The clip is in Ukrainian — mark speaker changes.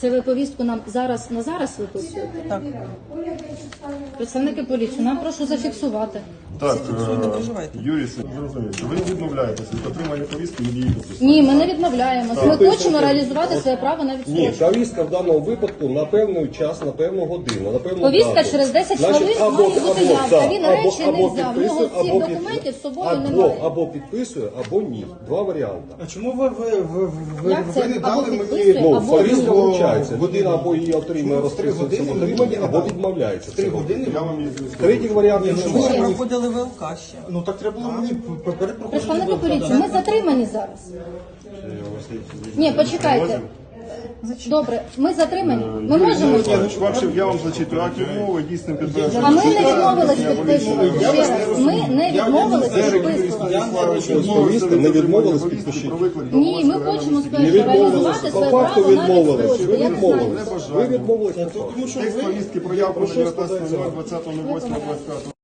Speaker 1: Це ви повістку нам зараз на зараз виписуєте?
Speaker 2: Так.
Speaker 1: Представники поліції, нам прошу зафіксувати.
Speaker 3: Так,
Speaker 2: не переживайте.
Speaker 3: Юрій, зрозуміло. Ви відмовляєтеся від отримання повістки від її допусту.
Speaker 1: Ні, ми не відмовляємося. Ми хочемо реалізувати своє право на
Speaker 4: Ні,
Speaker 1: відстрочку.
Speaker 4: повістка в даному випадку на певний час, на певну годину, на певну
Speaker 1: Повістка
Speaker 4: дату.
Speaker 1: через 10
Speaker 4: Значить,
Speaker 1: хвилин
Speaker 4: або-
Speaker 1: має бути
Speaker 4: або-
Speaker 1: явка.
Speaker 4: так,
Speaker 1: Він
Speaker 4: або-
Speaker 1: речі не
Speaker 4: або
Speaker 1: взяв. В
Speaker 4: підписує,
Speaker 1: нього всіх
Speaker 4: або
Speaker 1: документів з собою
Speaker 4: або-
Speaker 1: немає.
Speaker 4: Або підписує, або ні. Два варіанти.
Speaker 5: А чому ви
Speaker 1: Як це?
Speaker 5: не
Speaker 1: Або
Speaker 5: дали
Speaker 1: підписує,
Speaker 5: мені?
Speaker 4: Ну,
Speaker 1: або
Speaker 4: повістка
Speaker 1: ні.
Speaker 4: вручається. Людина або її отримує,
Speaker 5: Чому в 3
Speaker 4: розписується в
Speaker 5: години
Speaker 4: отриманні,
Speaker 5: мені
Speaker 4: або
Speaker 5: не дали?
Speaker 4: відмовляється.
Speaker 5: 3 години?
Speaker 3: Я вам її зв'язку.
Speaker 4: Третій варіант
Speaker 5: Ні,
Speaker 4: не
Speaker 5: чому
Speaker 4: може.
Speaker 2: Ви
Speaker 5: ви
Speaker 2: проходили ВЛК ще.
Speaker 5: Ну так треба було мені перед
Speaker 1: Представники
Speaker 5: проходженням.
Speaker 1: поліції, ми затримані зараз. Ні, почекайте. Добре, ми затримані. Ми можемо.
Speaker 3: Я вам зачитую акт відмови, дійсним підтвердженням.
Speaker 1: А ми не відмовились підписувати. Ще раз, ми не відмовились підписувати.
Speaker 4: Повістки не відмовились підпишіть.
Speaker 1: Ні, ми хочемо
Speaker 4: Не
Speaker 1: спершу
Speaker 4: відмовилися.
Speaker 1: реалізувати
Speaker 4: По
Speaker 1: своє
Speaker 4: факту
Speaker 1: право на
Speaker 4: відмовились.
Speaker 1: відстрочку.
Speaker 4: Ви
Speaker 1: Я не знаю.
Speaker 4: відмовились. Ви відмовились. по факту.
Speaker 3: Текст повістки проявлено 19.08.25.